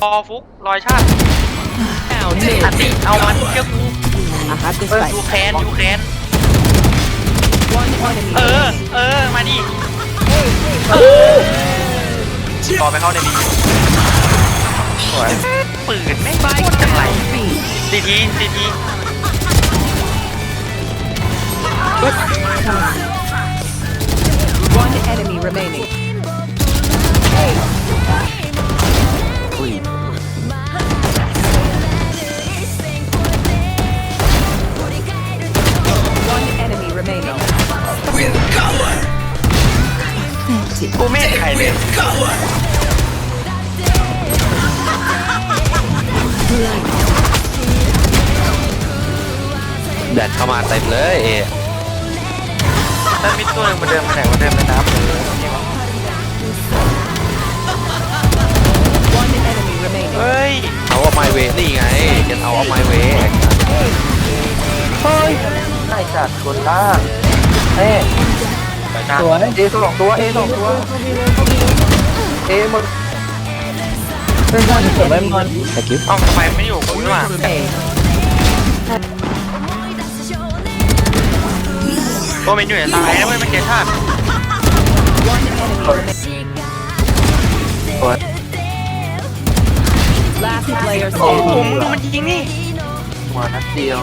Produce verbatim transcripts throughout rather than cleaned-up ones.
อฟุกรอยชาติอันติเอามันเกี่ยวกูยูแคนยูแคนเออเออมาดิต่อไปเข้าในบีสวยปืนไม่โคตรจังไรซีทีซีที One enemy remaining. One enemy remaining. We'll cover. กูไม่เห็นใครเลย Cover. แดดเข้ามาเต็มเลยเอถ้ามีตัวหนึ่งมาเดินมาไหนมาเดินไปน้ำเลย One enemy remaining. เฮ้ยเอาเอาไมเวนี่ไงจะเอาเอาไมเวเฮ้ยได้จัดคนล่างเอ้ไปจ้าสวยเอสองตัวเอสองตัวเอหมดเพื่อนบ้านเกิดอะไรมันตะกี้เอ้าทำไมไม่อยู่กูด้วย A. ตัวมันอยู่ในซ้ายนะเว้ยมันเกชาติ One enemy remaining. สวย Last player โอ้โห standing. มึงดูมันยิงนี่หัวนัดเดียว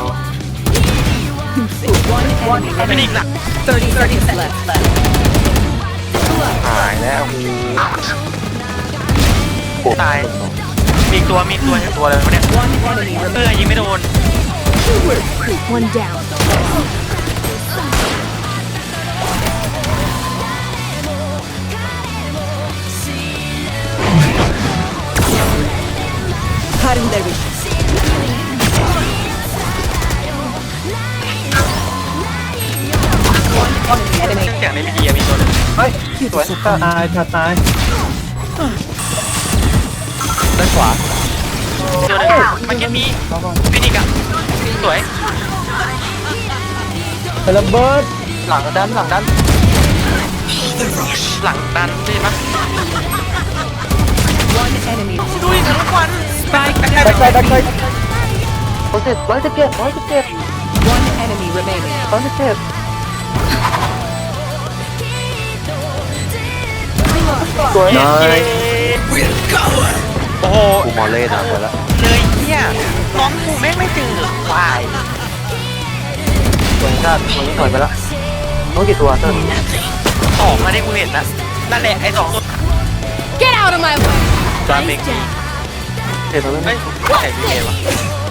One ไม่ enemy ได้อีกหลัก remaining. Thirty seconds left. หายแล้วตายมีอีกตัวมีอีกตัวมีอีกตัวอะไรวะเนี่ย One enemy เอ remaining. อยิงไม่โดน One down. Cutting their vision. One enemy เสียงในพีดีมีตัวนึงเฮ้ยสวยตายตายตายด้านขวาตัวนึงมันแค่มีฟินิกอะสวยระเบิดหลังดันหลังดันหลังดันใช่ไหม One enemy. ดูดิทั้งวัน Spike ดัก down. ไปดักไปร้อยสิบร้อยสิบเจ็ดร้อยสิบเจ็ด One enemy remaining. ร้อยสิบเจ็ดสวยน้อย We'll cover. โอ้โหกูมอลเล่นะไปแล้วเลยเนี่ยน้องกูแม่งไม่เจอควายสวยชาติคนนี้ถอยไปแล้วน้องกี่ตัวเติ้ลสองมาได้กูเห็นนะนั่นแหละไอ้สองตัว Get out of my way. จานเองเห็นตรงนั้นไหมเฮ้ยใครมีเอวะ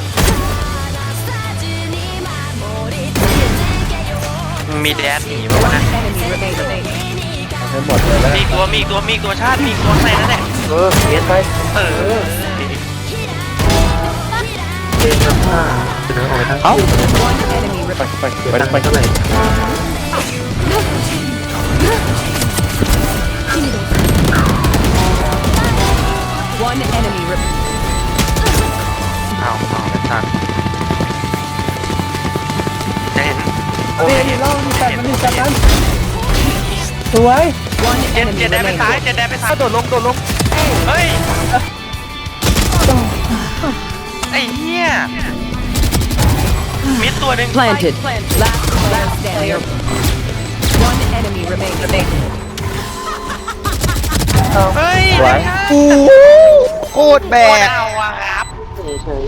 มีแดดหนีมา One วะนะ enemy remaining. ให้หมดเลยแล้วมีตัวมีตัวมีตัวชาติมีตัวใส่นั่นแหละเออเอ็นไปเออเอ็นกับห้าเดินออกไปทางเอ้า One enemy ไป remaining. ไปไปไปข้างใน One enemy remaining. เอาเอาไอ้ชาติจะเห็นโอ้เฮ้ยยเห็นเล่าที่แปดเห็นมันที่แปดนั้นสวย One เจ็ด enemy เจ็ดแดนไปซ้าย remaining. เจ็ดแดนไปซ้ายโดดลงโดดลงเฮ้ยไอ้เหี้ยมิดตัวหนึ่ง Planted. Last player standing. One enemy remaining. เฮ้ยสวยโคตรแบกเอาอะครับเฉย